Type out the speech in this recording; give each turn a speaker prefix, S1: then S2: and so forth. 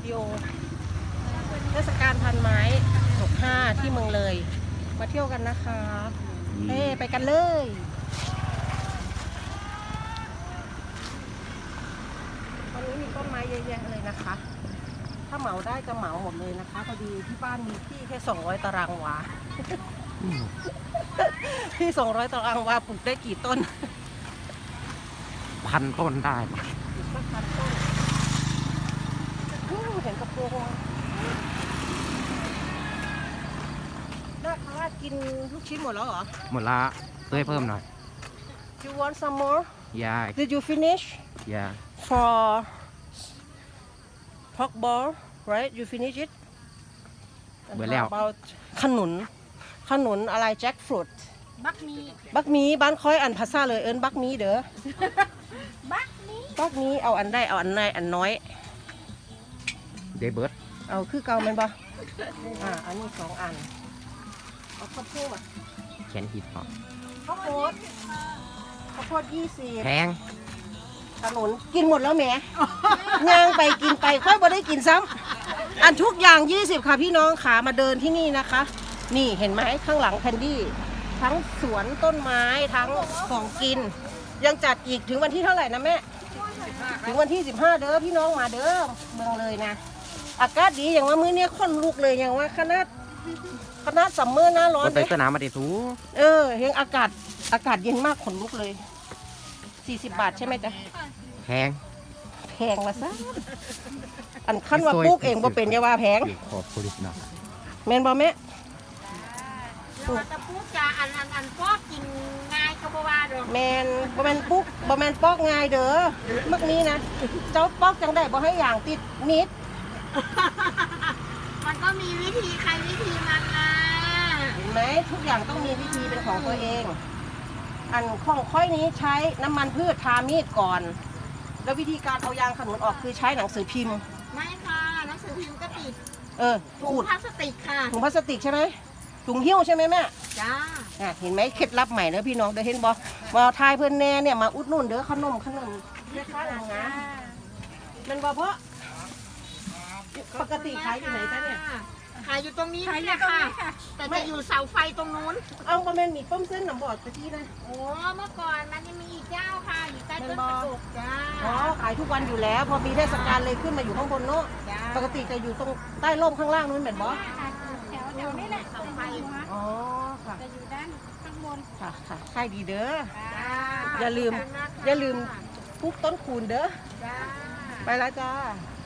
S1: วิดีโอเทศกาลพันไม้65ที่เมืองเลยมาเที่ยวกันนะคะเฮ้ไปกันเลยวันนี้มีต้นไม้เยอะแยะเลยนะคะถ้าเหมาได้จะเหมาหมดเลยนะคะพอดีที่บ้านมีที่แค่200 ตารางวาที่200 ตารางวาปลูกได้กี่ต้น
S2: 1,000 ต้นได้
S1: อีกสักพันต้นเห็นกระโปรงน่าคารากินลูกชิ้นหมดแล้วเหรอ
S2: หมดละเพื่อให้เพิ่มหน่อย
S1: You want some more
S2: Yeah
S1: Did you finish
S2: Yeah
S1: for pork ball right you finish it
S2: เบื่อแล้ว
S1: about ขนุนอะไร jackfruit
S3: บักมี
S1: บ้านค่อยอันภาษาเลยเอิ้นบักมีเด้อ
S3: บักมี
S1: เอาอันได้เอาอันไหนอันน้อย
S2: เดเบิร์ด
S1: เอาคือเก่าแม่นบ่อันนี้2 อันเอาข้าวโพด
S2: แขนหิดต่อ
S1: ข้าวโพด20
S2: แพง
S1: ขนุนกินหมดแล้วแหมย่างไปกินไปค่อยบ่ได้กินซ้ำอันทุกอย่าง20ค่ะพี่น้องขามาเดินที่นี่นะคะ นี่เห็นไหมข้างหลังแคนดี้ทั้งสวนต้นไม้ทั้งของกิน ยังจัดอีกถึงวันที่เท่าไหร่นะแม่ถึงวันที่15เด้อพี่น้องมาเด้อเมืองเลยนะอากาศดีอย่างว่ามื้อนี้ค่อนลุกเลยอย่างว่าขนาดซัมเมอร์หน้าร้อน
S2: ไปสนามมาเดทู
S1: เฮงอากาศเย็นมากขนลุกเลย40 บาทใช่ไหมจ๊ะ
S2: แพง
S1: ละซะอันขั้นว่าปลูกเองบ่เป็นอย่าว่าแพง
S2: ขอบคุณนะ
S1: แม่นบ่แม่
S3: เราจะพูดจาอันพอกกินง่ายก็บ่ว่าดอก
S1: แม่นบ่แม่นปลูกบ่แม่นปอกง่ายเด้อมักนี้นะเจ้าปอกจังได้บ่ให้อย่างติดนิด
S3: มันก็มีวิธีใครวิธีมันนะ
S1: เห็นไหมทุกอย่างต้องมีวิธีเป็นของตัวเอง อันของค่อยนี้ใช้น้ำมันพืชทามีดก่อน แล้ววิธีการเอายางขนุนออกคือใช้หนังสือพิมพ์
S3: ไม่ค่ะหนังสือพิมพ์ก็ติด
S1: ขู
S3: ถุง
S1: ด
S3: พลาสติกค่ะ
S1: ถุงพลาสติกใช่ไหมถุงหิ้วใช่ไหมแม่
S3: จ้า
S1: เห็นไหมเคล็ดลับใหม่เด้อพี่น้องเด้อเห็นบ่มาทายเพื่อนแน่เนี่ยมาอุดหนุนเด้อขนมเรียกค่าอย่างงั้นมันบ่เพราะปกติขายอยู่ไหนจ๊ะเนี่ย
S3: ขายอยู่ตรงนี้นี่แหละค่ะ แต่จะอยู่เสาไฟตรงนู้น
S1: เอาประมาณมีต้มเส้นหนำบอดตะกี้นะ
S3: โอ้เมื่อก่อนมันยังมีอีกเจ้าค่ะอยู่ใต้ต้นกระดูกจ้า
S1: ขายทุกวันอยู่แล้ว พอมีเทศกาลเลยขึ้นมาอยู่ข้างบนเนาะ
S3: จ้า
S1: ปกติจะอยู่ตรงใต้ร่มข้างล่างนู้นเหมือนบ่
S3: แถวนี้แหละเสาไฟ
S1: อ๋อค่ะ
S3: จะอยู่ด้านข้างบน
S1: ค่ะขายดีเด้อ
S3: จ้า
S1: อย่าลืมปลูกต้นคูณเด้อ
S3: จ้า
S1: ไปแล้วจ้า
S3: จ